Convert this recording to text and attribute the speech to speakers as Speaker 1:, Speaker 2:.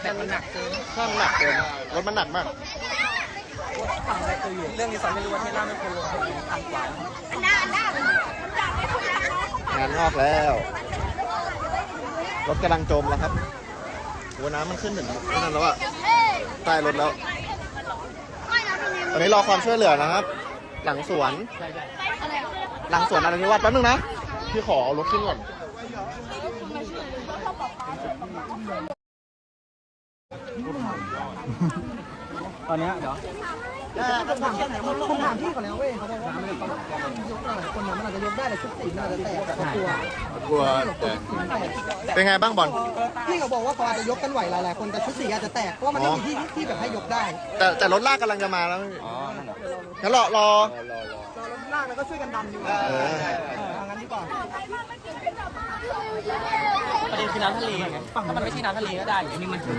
Speaker 1: แต่มันหนักเกิน
Speaker 2: ใช่มันหนักเกินรถมันหนักมาก
Speaker 1: ฝั่งอะไรคืออยู่เรื่องนี้สอนไม่รู้ว่าเทล่าไม่ควรลงทางขวาง
Speaker 2: านงอกแล้วรถกำลังจมแล้วครับหัวน้ำมันขึ้นถึงนั่นแล้วอะใต้รถแล้วตอนนี้รอความช่วยเหลือนะครับ หลังสวนหลังสวนอะไรนิวัฒน์แป๊บนึงนะพี่ขอเอารถขึ้นก่อน
Speaker 1: ตอนนี้เดี๋ยว
Speaker 3: ผมถามพี่ก่อนแล้วเว้ยเขาบอกว่ามันยกได้คนนั้นมันอาจจะยกได้แต่ชุดสีมันอาจจะแตกแต่ตัว
Speaker 2: กลัวเป็นไงบ้างบอล
Speaker 3: พี่เขาบอกว่าเขาอาจจะยกกันไหวหลายๆคนแต่ชุดสีอาจจะแตกเพราะว่ามันไม่มีที่แบบให้ยกได้
Speaker 2: แต่รถลากกำลังจะมาแล้วงั้นรอ
Speaker 3: รถลากแล้วก็ช่วยกันดันอยู่งั้นดีกว่า
Speaker 1: ประเด็นคือน้ำทะเลไงถ้ามันไม่ใช่น้ำทะเลก็ได้อันนี้มัน